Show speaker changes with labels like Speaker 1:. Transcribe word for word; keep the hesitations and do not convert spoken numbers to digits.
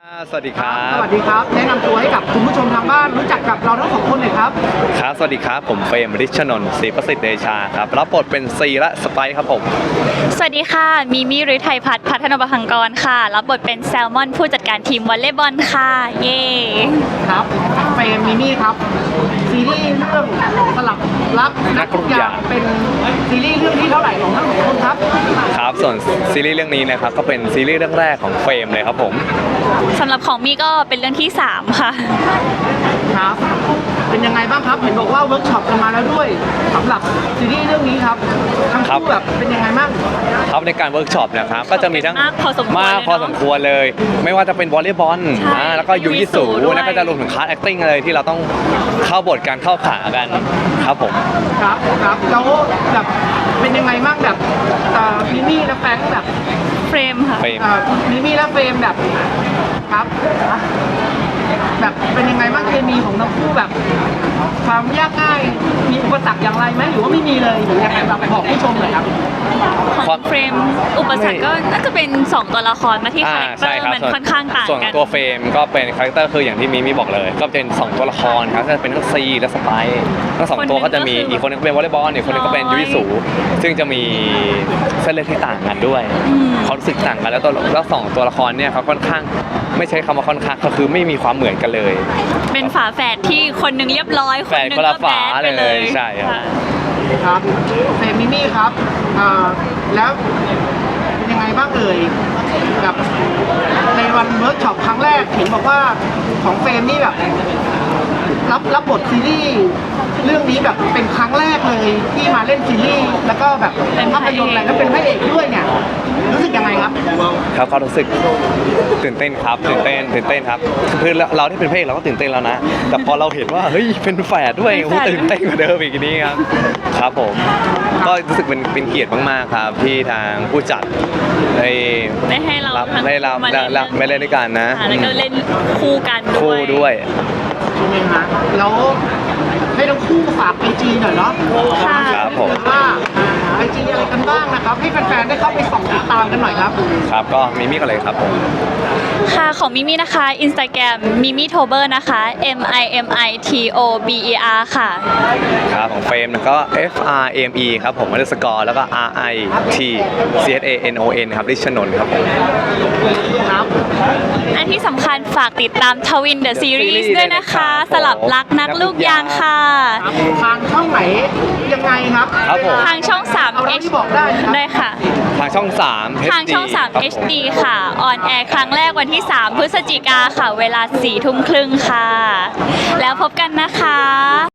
Speaker 1: สวัสดีครับ
Speaker 2: สวัสดีครับแนะนำตัวให้กับคุณผู้ชมทางบ้านรู้จักกับเราทั้งสองคนหน่อยครับ
Speaker 1: ครับสวัสดีครับผมเฟรมฤทธิ์ชนนท์ศรีประสิทธิ์เดชาครับรับบทเป็นซีและสไปซ์ครับผม
Speaker 3: สวัสดีค่ะมิมี่ฤทัยพัฒน์พัฒนประพังกรค่ะรับบทเป็นแซลมอนผู้จัดการทีมวอลเลย์บอลค่ะเย่
Speaker 2: ครับเฟรมมิมี่ครับซีรีส์เรื่องสลับรักนักทุกอย่างเป็นซีรีส์เรื่องที่เท่าไหร่ของทั้งสองคนครับ
Speaker 1: ครับส่วนซีรีส์เรื่องนี้นะครับก็เป็นซีรีส์เรื่องแรกของเฟรมเลยครับผม
Speaker 3: สำหรับของมี่ก็เป็นเรื่องที่สามค่ะ
Speaker 2: ครับเป็นยังไงบ้างครับเห็นบอกว่าเวิร์กช็อปกันมาแล้วด้วยสำหรับซีรีส์เรื่องนี้ครับทั้งคู่แบบเป็นยังไงบ้าง
Speaker 1: ครับในการเวิร์กช็อปนะครับก็จะมีทั้ง
Speaker 3: มากพอสมควร
Speaker 1: มากพอสมควรเลย ไม่ว่าจะเป็นวอลเลย์บอลแล้วก็ยูยิสูแล้วก็จะรวมถึงคลาสแอคติ้งเลยที่เราต้องเข้าบทการเข้าขากันครับผม
Speaker 2: ครับครับแล้วแบบเป็นยังไงบ้างแบบมิมี่และแฟรงค์แบบ
Speaker 3: เฟรมค่ะ
Speaker 2: มิมี่และเฟรมแบบครับแบบเป็นยังไงบ้างเคมีของทั้งคู่แบบความยากง่ายมีอุปสรรคอย่างไรไหมหรือว่าไม่มีเลยหรือยังไงแบบบอกผู้ชมหน่อยครับ
Speaker 3: ของเฟรมอุปสรรคก็น่าจะเป็นสองตัวละครมาที่คาแรคเตอร์มันค่อนข้างต่างกัน
Speaker 1: ส่วนตัวเฟรมก็เป็นคาแรคเตอร์คืออย่างที่มิมี่บอกเลยก็เป็นสองตัวละครครับจะเป็นทั้งซีและสไปซ์ทั้งสองตัวก็จะมีอีกคนนึงเป็นวอลเลย์บอลอีกคนนึงก็เป็นยูยิสูซึ่งจะมีเส้นเลือดที่ต่างกันด้วยความรู้สึกต่างกันแล้วตัวแล้วสองตัวละครเนี่ยเขาค่อนข้างไม่ใช้คำว่าค่อนข้างก็คือไม่มีความเหมือนกันเลย
Speaker 3: เป็นฝาแฝดที่คนหนึ่งเรียบร้อยคนหนึ่งก็แบดไปเลย
Speaker 1: ใช่ครับ
Speaker 2: ครับเฟรมมิมี่ครับแล้วเป็นยังไงบ้างเอ่ยกับในวันเวิร์กช็อปครั้งแรกเห็นบอกว่าของเฟรมนี่แบบรับรับบทซีรีส์เรื่องนี้แบบเป็นครั้งแรกเลยที่มาเล่นซีรีส์แล้วก็แบบเป็นภาพยนตร์อะไรแล้วเป็นพระเอกด้วยเนี่ยรู้สึกยังไงครับ
Speaker 1: ครับเขารู้สึกตื่นเต้นครับตื่นเต้นตื่นเต้นครับคือเราที่เป็นพระเอกเราก็ตื่นเต้นแล้วนะแต่พอเราเห็นว่าเฮ้ยเป็นแฝดด้วยโอ้ตื่นเต้นกว่าเดิมอีกนี้ครับครับผมก็รู้สึกเป็นเป็นเกียรติมากๆครับที่ทางผู้จัดได้
Speaker 3: ได้ให้เรา
Speaker 1: ได้เราไม่เล่นด้วยกันนะ
Speaker 3: แล้วก็เล่นคู่กัน
Speaker 1: คู่ด้วย
Speaker 2: ใช่ไหมฮะแล้วให้ทั้งคู่ฝากไอจีหน่อยเนาะ
Speaker 1: ครับผม
Speaker 2: ว่าไอจีอะไรกันบ้างนะครับให้แฟนๆได้เข้าไปส่องติดตามกันหน่อยครับ
Speaker 1: ครับก็มิมี่กันเลยครับผม
Speaker 3: ค่ะของมิมี่นะคะ Instagram มิมี่โทเบอร์นะคะ M I M I T O B E R ค่ะ
Speaker 1: ครับของเฟรมก็ F R M E ครับผมอันดับสกอร์แล้วก็ R I T C H A N O N ครับฤทธิ์ชนนท์ครับผม
Speaker 2: ครับ
Speaker 3: อันที่สำคัญฝากติดตามทวินเดอะซีรีส์ด้วยนะคะสลับรักนักลูกยางค่ะ
Speaker 2: ทางช่องไหนยังไงครับ
Speaker 3: ทางช่องสาม
Speaker 2: H บอกได้
Speaker 3: ได้ค่ะ
Speaker 1: ทางช่องสาม
Speaker 3: ทางช่องสาม เอช ดี ค่ะออนแอร์ครั้งแรกวันที่สามพฤศจิกาค่ะเวลาสี่ทุ่มครึ่งค่ะแล้วพบกันนะคะ